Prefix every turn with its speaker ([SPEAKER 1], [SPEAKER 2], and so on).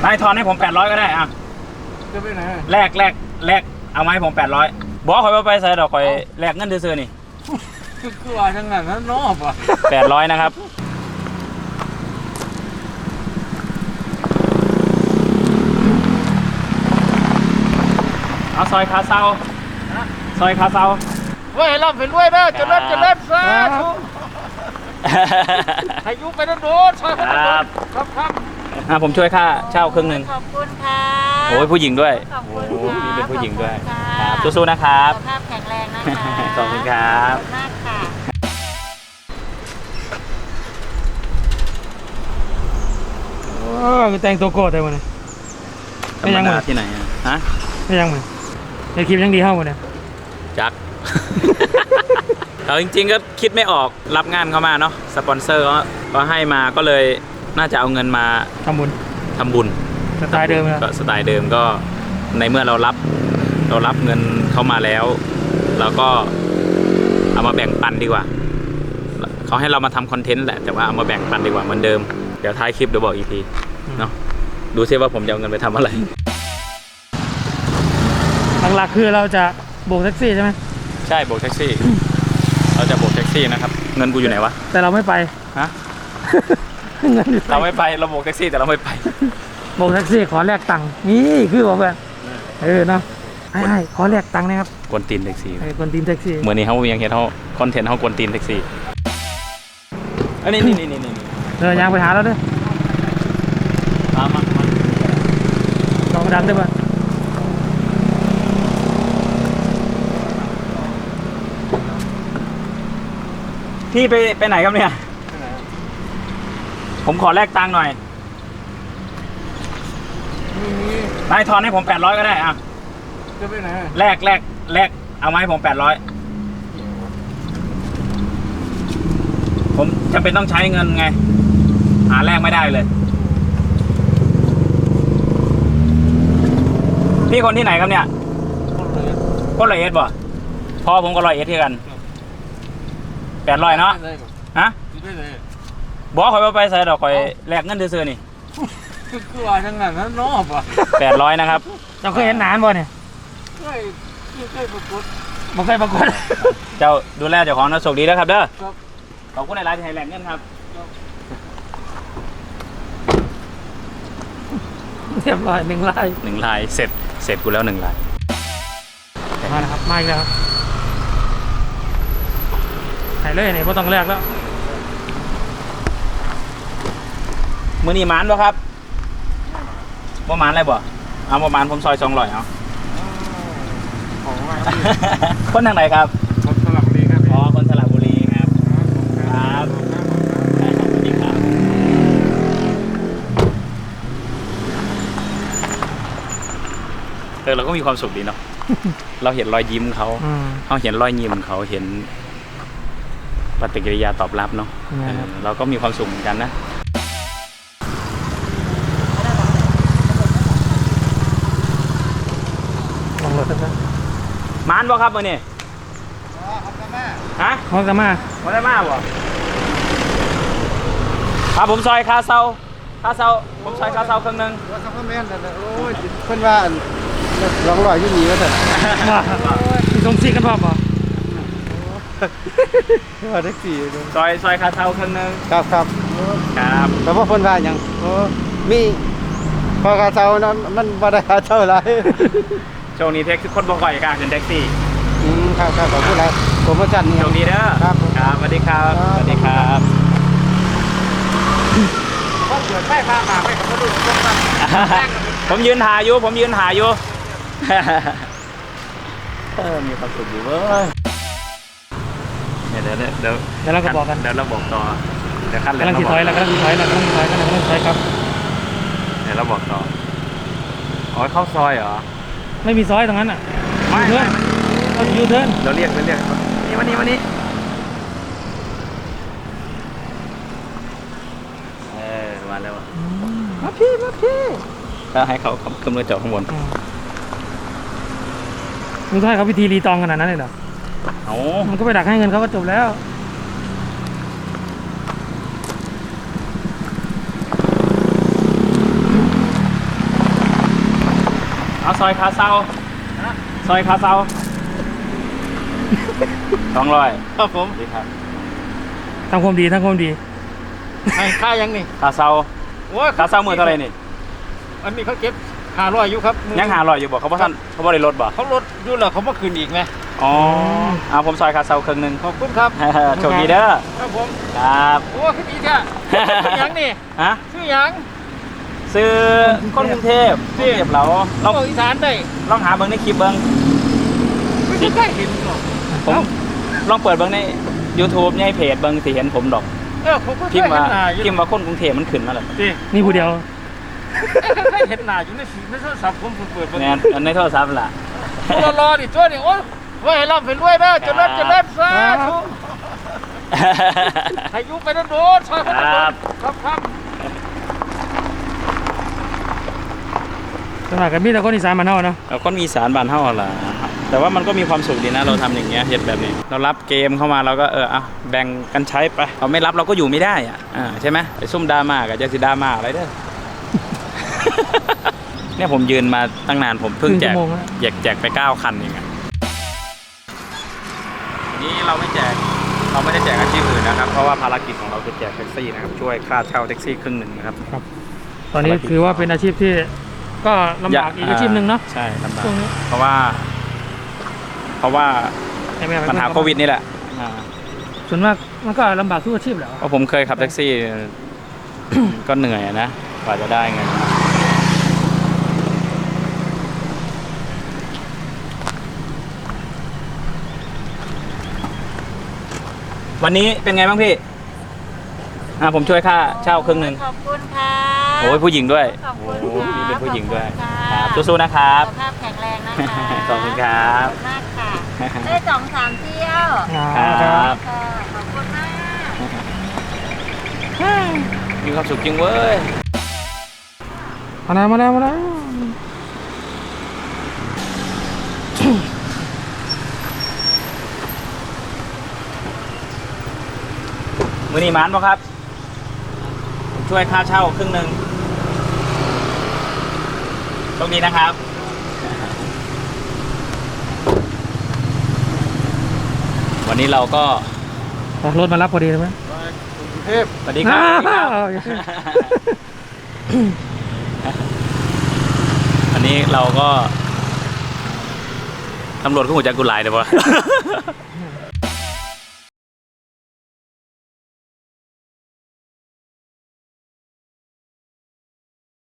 [SPEAKER 1] นายทอนให้ผม800ก็ได้อ่ะ
[SPEAKER 2] จะไปไหน
[SPEAKER 1] แลกเอาไหมผม800บอกคอยว่าไปใส่ดอกคอยแลกเงินซื้อนี่
[SPEAKER 2] คือว่าจังงั้นนั้นนอบอ่ะ
[SPEAKER 1] 800นะครับเอาซอยคาเซาซอยคาเซา
[SPEAKER 2] เว้ยร่ำเป็นรวยเด้อจะเลิศซะให้ยุไปโดนซอย
[SPEAKER 1] ครับผมช่วยค่าเช่าครึ่งหนึ่ง
[SPEAKER 3] ขอบคุณค่ะ
[SPEAKER 1] โอ้ยผู้หญิงด้วย
[SPEAKER 3] ขอบคุณ
[SPEAKER 1] มีเป็นผู้หญิงด้วยสู้ๆนะครับ
[SPEAKER 3] สุขภาพแข็งแรงนะคะ
[SPEAKER 1] ขอบคุณครับ
[SPEAKER 3] มากค่ะ
[SPEAKER 2] แต่งตัวโกรธได้วันนี้
[SPEAKER 1] ไม่ยังมาที่ไหนฮะ
[SPEAKER 2] ไม่ยังมาในคลิปยังดีเท่าวันนี้
[SPEAKER 1] จักเราจริงๆก็คิดไม่ออกรับงานเข้ามาเนาะสปอนเซอร์ก็ให้มาก็เลยน่าจะเอาเงินมา
[SPEAKER 2] ทำบุญสไตล์เดิม
[SPEAKER 1] ก็สไตล์เดิมก็ในเมื่อเรารับเงินเข้ามาแล้วเราก็เอามาแบ่งปันดีกว่าเขาให้เรามาทำคอนเทนต์แหละแต่ว่าเอามาแบ่งปันดีกว่าเหมือนเดิมเดี๋ยวท้ายคลิปเดี๋ยวบอกอีกทีเนาะดูซิว่าผมจะเอาเงินไปทำอะไร
[SPEAKER 2] หลักๆคือเราจะโบกแท็กซี่ใช่ไหม
[SPEAKER 1] ใช่โบกแท็กซี่เราจะโบกแท็กซี่นะครับเงินกูอยู่ไหนวะ
[SPEAKER 2] แต่เราไม่ไป
[SPEAKER 1] ฮะเราไม่ไปเราโบกแท็กซี่แต่เราไม่ไป
[SPEAKER 2] โบกแท็กซี่ขอแลกตังค์นี่คือบอกแบบเนาะใช่ขอแลกตังค์นะครับ
[SPEAKER 1] กวนตีนแท็กซี่
[SPEAKER 2] กวนตีนแท็กซี่
[SPEAKER 1] เมื่อนี้เขายังเห็นเขาคอนเทนต์เขากวนตีนแท็กซี่อันนี้
[SPEAKER 2] ยังไปหาแล้วด้วย
[SPEAKER 1] มา
[SPEAKER 2] ลองดันได้ป่ะ
[SPEAKER 1] พี่ไปไหนครับเนี่ยผมขอแลกตังค์หน่อยนายทอนให้ผม800ก็ได้อ่ะ
[SPEAKER 2] จะไปไหน
[SPEAKER 1] แลกเอาไหมผม800ผมจำเป็นต้องใช้เงินไงหาแลกไม่ได้เลยพี่คนที่ไหนครับเนี่ยคน100 เอสบ่พอผมก็100 เอสที่กัน800เนาะฮะบอกคอยว่าไปใส่ดอกคอยแลกเงินซื้อนี่
[SPEAKER 2] คือว่าจังงั้นนั้นนอบอ่ะ
[SPEAKER 1] 800นะครับ
[SPEAKER 2] เจ้าเคยเห็นหนานบ่เนี่ยเคยประกวดบ่เคยประกวด
[SPEAKER 1] เจ้าดูแลเจ้าของนะโชคดีแล้วครับเด้อขอบคุณในไลน์ที่ให้แลกเงินครับ
[SPEAKER 2] เรียบร้อย1 ลาย
[SPEAKER 1] เสร็จกูแล้ว1 ลาย
[SPEAKER 2] มาแล้วครับมาอีกแล้วครับไหนเลยไหนบ่ต้องแลกแล้ว
[SPEAKER 1] มื้อนี้หมานบ่ครับบ่หมานอะไรบ่เอาบ่หมานผมซอย200เอาคนทางไหนครับ
[SPEAKER 2] คนสระบุรีครับ
[SPEAKER 1] อ๋อคนสระบุรีครับครับสวัสดีครับเราก็มีความสุขดีเนาะเราเห็นรอยยิ้มเขาเห็นรอยยิ้มเขาเห็นปฏิกิริยาตอบรับเนาะเราก็มีความสุขเหมือนกันนะมานบ่ครับมื้อนี้ฮะ
[SPEAKER 2] ฮอกกามา
[SPEAKER 1] บ่ครับผมซอยคาเซาผมซอยคาเซาครึ่งนึง
[SPEAKER 2] ซัพพลเมนต์โอ้ยเพิ่นว่า200อยู่นี่ว่าซั่นมีส่งซีกันบ่ว่าแท็กซี่
[SPEAKER 1] ซอยคาเซาครึ่งนึง
[SPEAKER 2] ครับแต่ว่าเพิ่นว่าหยังมีพอคาเซานั้นมันบ่ได้คาเซาหลาย
[SPEAKER 1] ช่วงนี้คนบ่ค่อยกล้าขึ้นแท็กซี่
[SPEAKER 2] ครับขอบคุณหลายโปรโมชั่นนี่
[SPEAKER 1] โชคดีเด้อครับสวัสดีครับ
[SPEAKER 2] ก็เกิดไฟฟ้ามาไม่กับดู
[SPEAKER 1] ผมยืนหาอยู่มีความสุขอยู่เว้ยเดี๋ยว
[SPEAKER 2] เราก็บอกกัน
[SPEAKER 1] เดี๋ยวเราบอกต่อเดี๋ยวขั้นเลย
[SPEAKER 2] กำลังถอยครับเ
[SPEAKER 1] ดี๋ยวเราบอกต่ออ๋อเข้าซอยเหรอ
[SPEAKER 2] ไม่มีซอยตรงนั้นอ่ะ
[SPEAKER 1] ไม่
[SPEAKER 2] เรายูเทิร์น
[SPEAKER 1] เราเรียกนี่วันนี้มาแล้ว
[SPEAKER 2] มาพี่
[SPEAKER 1] ถ้าให้เขาขึ้นมาจอดข้างบน
[SPEAKER 2] มึงต้องให้เขาพิธีรีตองขนาดนั้นเลยเหรอมันก็ไปดักให้เงินเขาก็จบแล้ว
[SPEAKER 1] เอาซอยคาเซาซอยคาเซา200
[SPEAKER 2] ครับผม
[SPEAKER 1] ดีครับ
[SPEAKER 4] ทำความดีทำความดี
[SPEAKER 2] ให้ค่ายังนี่
[SPEAKER 1] คาเซา
[SPEAKER 2] โอ้ย
[SPEAKER 1] คาเซามือเท่าไหร่นี่
[SPEAKER 2] อันนี้เขาเก็บ500อยู่ครับ
[SPEAKER 1] ยัง500อยู่บ่เขาบ่ทันเขาบ่ได้ลดบ่
[SPEAKER 2] เขาลดอยู่แล้วเขามาคืนอีกไหม
[SPEAKER 1] อ๋อเอาผมซอยคาเซาครึ่งหนึง
[SPEAKER 2] ขอบคุณครับ
[SPEAKER 1] โชคดีเด้อ
[SPEAKER 2] ครับผม
[SPEAKER 1] ครับ
[SPEAKER 2] โอ้ขึ้นดีแท้ชื่อหยังนี่
[SPEAKER 1] ฮะ
[SPEAKER 2] ชื่อหยัง
[SPEAKER 1] ซื้อคนกรุงเทพกรุงเทพเราล
[SPEAKER 2] เรา
[SPEAKER 1] อง
[SPEAKER 2] อีสานได้
[SPEAKER 1] ลองหาเบิ่งในคลิปเบิ่ง
[SPEAKER 2] ไม่ใช่เห็นหรอก
[SPEAKER 1] ผมลองเปิดเบิ่งใน YouTube ในเพจเบิ่งสิเห็นผมดอก
[SPEAKER 2] ผมก็เค
[SPEAKER 1] พิ
[SPEAKER 2] ย
[SPEAKER 1] มพ์
[SPEAKER 2] เห็
[SPEAKER 1] ว่าน
[SPEAKER 2] หน้าอยู่
[SPEAKER 1] พิมพ์ว่าคนกรุงเทพมันขึ้นมาแล้ว
[SPEAKER 2] ดิ
[SPEAKER 4] นี่ผู้เดียว
[SPEAKER 2] เคยเห็นหน้าอยู่ในฟีดในโทรศัพท์ผมเปิด
[SPEAKER 1] แม่นอันในโทรศัพท์ล่ะ
[SPEAKER 2] รอดิตัวนี่โอ้ยไว้ให้ร่ำให้รวยนะเจะเลิศจะเลิศสาธุให้อยุไปโดนๆซอยคนโดนครับครับ
[SPEAKER 4] สมัครกันมีแต่คนอีสานมานเนาะ
[SPEAKER 1] เราก็มีสารบานเท่าล่ะแต่ว่ามันก็มีความสุขดีนะเราทำอย่างเงี้ยเฮ็ดแบบนี้ เรารับเกมเข้ามาเราก็แบ่งกันใช้ไปเราไม่รับเราก็อยู่ไม่ได้ใช่ไหมไปซุ่มดราม่ากับจะสิดราม่าอะไรเด้อ เนี่ยผมยืนมาตั้งนานผมเพิ่งแจก
[SPEAKER 4] ครึ่งชั่วโมงแล้ว
[SPEAKER 1] แจกไป9 คันเองนี่เราไม่ได้แจกอาชีพอื่นนะครับเพราะว่าภารกิจของเราคือแจกแท็กซี่นะครับช่วยค่าเช่าแท็กซี่ครึ่งหนึ่งนะครับ
[SPEAKER 4] ตอนนี้ถือว่าเป็นอาชีพที่ก็ลำบากอีกอาชีพหนึ่งเนาะ
[SPEAKER 1] ใช่ลำบาก
[SPEAKER 4] ช่วงนี้
[SPEAKER 1] เพราะว่า
[SPEAKER 4] ใช่ไหม
[SPEAKER 1] ปัญหาโควิดนี่แหละ
[SPEAKER 4] ส่วนมากมันก็ลำบากทุกอาชีพแหละ
[SPEAKER 1] เพราะผมเคยขับแท็กซี่ ก็เหนื่อยนะกว่าจะได้เงินมาวันนี้เป็นไงบ้างพี่ผมช่วยค่าเช่าครึ่งหนึ่ง
[SPEAKER 3] ขอบคุณค่ะ
[SPEAKER 1] โอ้ยผู้หญิงด้วย
[SPEAKER 3] ขอบคุณ
[SPEAKER 1] โอ้
[SPEAKER 3] ค่ะ
[SPEAKER 1] ยเป็นผู้หญิงด้วย
[SPEAKER 3] ขอบ
[SPEAKER 1] ค
[SPEAKER 3] ณ
[SPEAKER 1] รับ
[SPEAKER 3] ค่ะ
[SPEAKER 1] สู้ๆนะครับ
[SPEAKER 3] สุขภาพแข็งแรงนะคะ
[SPEAKER 1] ขอบคุณครับ
[SPEAKER 3] ขอบคุณมากค่ะได้2-3 เที่ยว
[SPEAKER 1] ครับ
[SPEAKER 3] ค่ะขอบคุณมาก
[SPEAKER 1] มีความสุขจริงเว้ย
[SPEAKER 4] มาแล้ว
[SPEAKER 1] มือนีหมานป่ะครับผมช่วยค่าเช่าครึ่งหนึ่งโชคดีนะครับ วันนี้เราก็
[SPEAKER 4] รถมารับพอดีเลยไหม
[SPEAKER 2] กรุงเทพ
[SPEAKER 1] สวัสดีครับสวัสดีครับ วันนี้เราก็ตำรวจก็หัวใจกุหลายเดี๋ยววะ